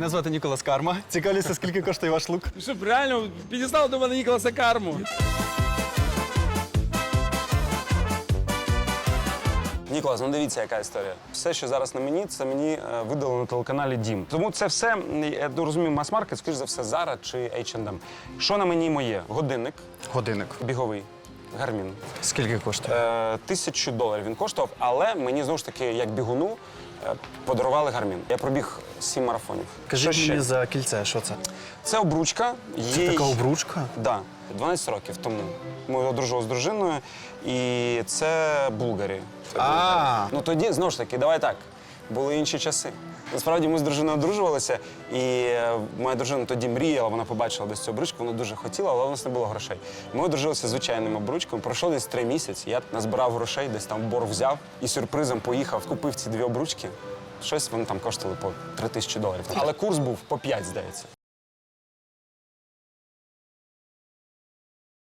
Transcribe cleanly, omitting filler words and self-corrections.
Мене звати Ніколас Карма. Цікавлюся, скільки коштує ваш лук? Щоб реально підістав до мене Ніколаса Карму. Ніколас, ну дивіться, яка історія. Все, що зараз на мені, це мені видали на телеканалі Дім. Тому це все, я розумію, мас-маркет, скоріш за все, Zara чи H&M. Що на мені моє? Годинник, Годинник. біговий, Гармін. Скільки коштує? $1000 він коштував, але мені, знову ж таки, як бігуну, подарували Гармін. Я пробіг 7 марафонів. Кажіть Що ще? мені за кільце, що це? Це обручка. Це така обручка? Да, 12 років тому. Ми одружували з дружиною, і це Булгарі. А. Ну тоді, знову ж таки, давай так, були інші часи. Насправді ми з дружиною одружувалися, і моя дружина тоді мріяла, вона побачила десь цю обручку, вона дуже хотіла, але у нас не було грошей. Ми одружилися звичайним обручком, пройшло десь 3 місяці, я назбирав грошей, десь там борг взяв і сюрпризом поїхав, купив ці 2 обручки. Щось вони там коштували по $3000. Але курс був по 5, здається.